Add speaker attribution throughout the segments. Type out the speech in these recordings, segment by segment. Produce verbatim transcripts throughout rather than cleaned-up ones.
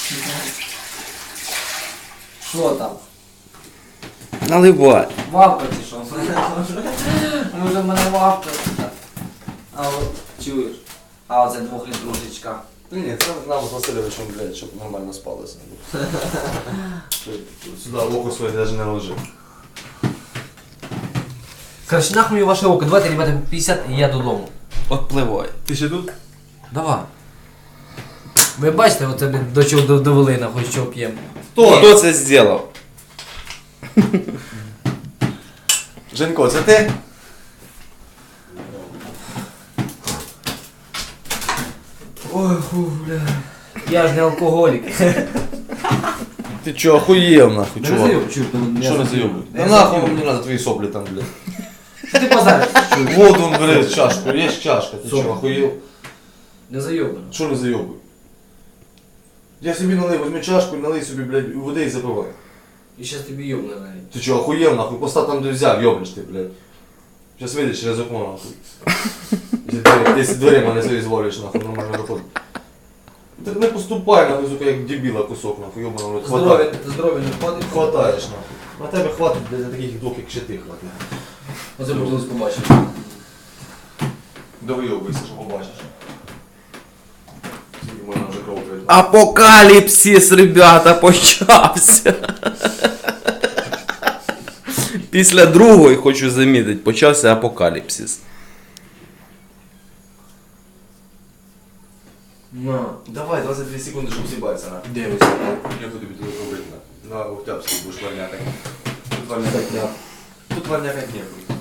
Speaker 1: Що там?
Speaker 2: Наливай.
Speaker 1: Вавка чи що? Може в мене вавка. А от чуєш? А оце двохлітрушечка.
Speaker 3: Ні, це нам з Васильовичем, блядь, щоб нормально спалося. Сюди око своє навіть не ложив.
Speaker 1: Короче, нахуй ваше око. Давайте, ребята, п'ятдесят і я додому.
Speaker 2: Отпливай.
Speaker 3: Ти ще тут?
Speaker 1: Давай. Ви бачите, оце блін, до чого довели, нахуй, що п'ємо.
Speaker 2: Хто? Хто це зробив?
Speaker 3: Женько, це ти?
Speaker 1: Ой, фу, бля. Я ж не алкоголік.
Speaker 3: Ти чо, охуєв нахуй,
Speaker 1: Не
Speaker 3: чувак?
Speaker 1: зайоб, чур, там
Speaker 3: Що не зайобуй? Да нахуй мені надо твої соплі там, блядь.
Speaker 1: Що ти позариш?
Speaker 3: Вот он, бери чашку, є чашка, ти чо, охуєв?
Speaker 1: Не зайобано.
Speaker 3: Що не зайобуй? Я собі налив, візьми чашку, налий собі, блядь, води і запивай.
Speaker 1: І щас тобі йобне навіть.
Speaker 3: Ти чо, охуєв нахуй, постав там, де взяв, йоблиш ти, блядь. Сейчас вийдеш через окно нахуй. Якщо двері, якщо дверима не свої зволиш, нахуй, нормально виходить. Ти не поступай, нахуй, сука, як дебіла кусок, нахуй, йобана, блядь,
Speaker 1: Здоров'я, здоров'я не входить.
Speaker 3: Хватаєш, нахуй. На тебе хватить, блядь, для таких двох, як ще ти хватить.
Speaker 1: Оце будемо побачити.
Speaker 3: Да вийобуйся, що побачиш. Скільки можна вже кров прийти.
Speaker 2: Апокаліпсис, ребята, почався. Після другої, хочу замітити, почався апокаліпсис.
Speaker 1: На.
Speaker 3: Давай, двадцять дві секунди, щоб сібатися, на.
Speaker 1: Дивися.
Speaker 3: Я буду тобі робити, на. На Октябрьській будеш варняти. Тут варняти не. Тут варняти не буде.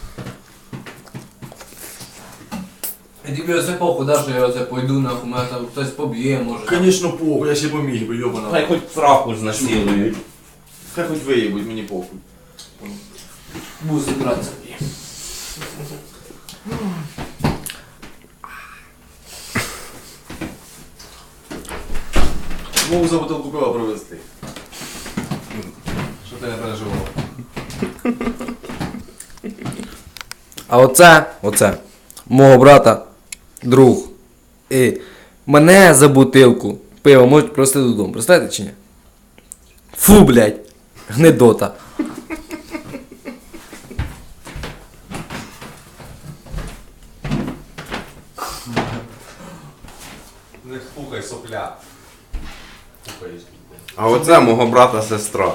Speaker 1: І тобі оце похуй, да, що я оце пойду, нахуй, мене там хтось поб'є, може.
Speaker 3: Конечно, похуй, я ще поміг би, йобана.
Speaker 2: Хай хоч сраку знасилують.
Speaker 3: Хай хоч виїбуть, мені похуй.
Speaker 1: Буду збиратися.
Speaker 3: Можу за бутилку пива провести. Що ти не переживав?
Speaker 2: А оце, оце, мого брата, друг. І мене за бутилку пива можуть просто додому. Представляєте чи ні? Фу, блядь, гнидота.
Speaker 3: Не пухай, сопля. Пухаєш.
Speaker 2: А оце мого брата сестра.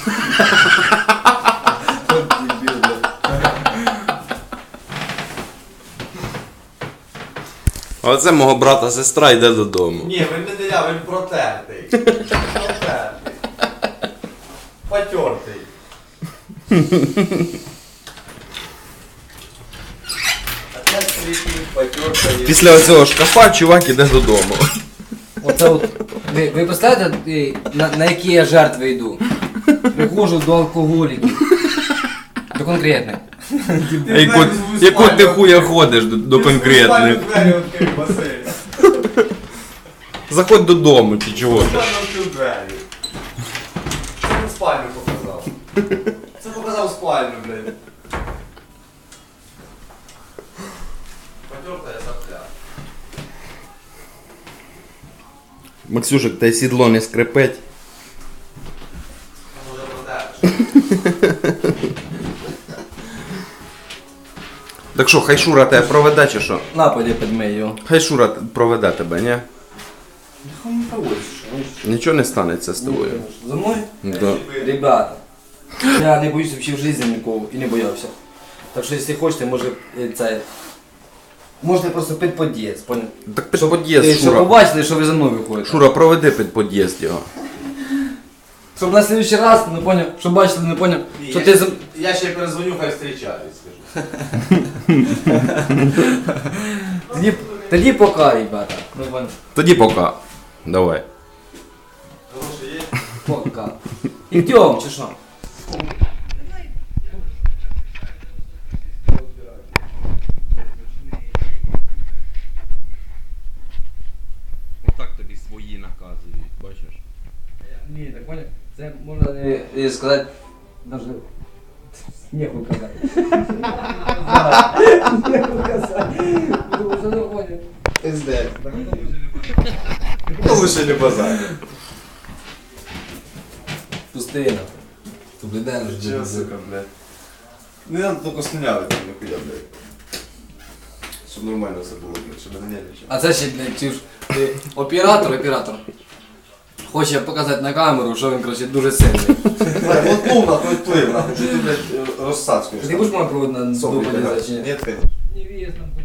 Speaker 2: А оце мого брата сестра йде додому.
Speaker 3: Ні, він не деля, він протертий. Протертий. Потертий. Опять світить, потертий.
Speaker 2: Після оцього шкафа чувак іде додому.
Speaker 1: Оце от, ви, ви представляєте, е, на, на які я жертви йду? Приходжу до алкоголіків. До конкретних.
Speaker 2: А яку, яку ти хуя ходиш до, до конкретних?
Speaker 3: Двері відкрив, Василь.
Speaker 2: Заходь додому, чи чого ти?
Speaker 3: Спальню відкрив двері. Що він спальню показав? Це показав спальню, блядь. Потертая сопля.
Speaker 2: Максюшек, та й сідло не скрипить.
Speaker 3: Може протертий.
Speaker 2: Так що, хай Шура тебе проведе чи що?
Speaker 1: На, пойди підмий його.
Speaker 2: Хай Шура проведе тебе, ні?
Speaker 1: Нахуй не проводиш, що?
Speaker 2: Нічого не станеться з тобою.
Speaker 1: За мною?
Speaker 2: Да.
Speaker 1: Ребята, я не боюсь вообще в житті нікого і не боявся. Так що, якщо хочете, може е, це... Можете просто під під'їзд, понял?
Speaker 2: Так під під'їзд,
Speaker 1: Щоб
Speaker 2: Шура.
Speaker 1: побачили, що ви за мною виходите.
Speaker 2: Шура, проведи під під'їзд його.
Speaker 1: Щоб на следующий раз, не понял, щоб бачили, не понял, що ти за...
Speaker 3: Я ще перезвоню, хай зустрічають, скажу.
Speaker 1: Тоді, тоді пока, ребята. Ну, понял.
Speaker 2: Тоді пока. Давай.
Speaker 3: Гроші є?
Speaker 1: Пока. Ідем, чи що?
Speaker 2: Отак тобі свої наказують, бачиш?
Speaker 1: Ні, так понял. Це можна не, не сказати, даже... Нехуй казати. Нехуй казати. Тому що не понял.
Speaker 3: Пиздець. Ну лише не базар.
Speaker 1: ти нахуй. Ти блядь,
Speaker 3: Чого, сука, блядь. Не надо тільки слюняви там нихуя, блядь. Щоб нормально все було, блядь, щоб не нервничав.
Speaker 1: А це ще, блядь, чуєш, ти оператор, оператор. Хоче показати на камеру, що він, коротше, дуже сильний.
Speaker 3: Блядь, от ну нахуй відплив, нахуй, що ти, блядь, розсадкуєш.
Speaker 1: Ти будеш мене проводити на
Speaker 3: Соплі
Speaker 1: допаді
Speaker 3: кидаєш?
Speaker 1: чи ні?
Speaker 3: Ні, ти.
Speaker 4: Невеста.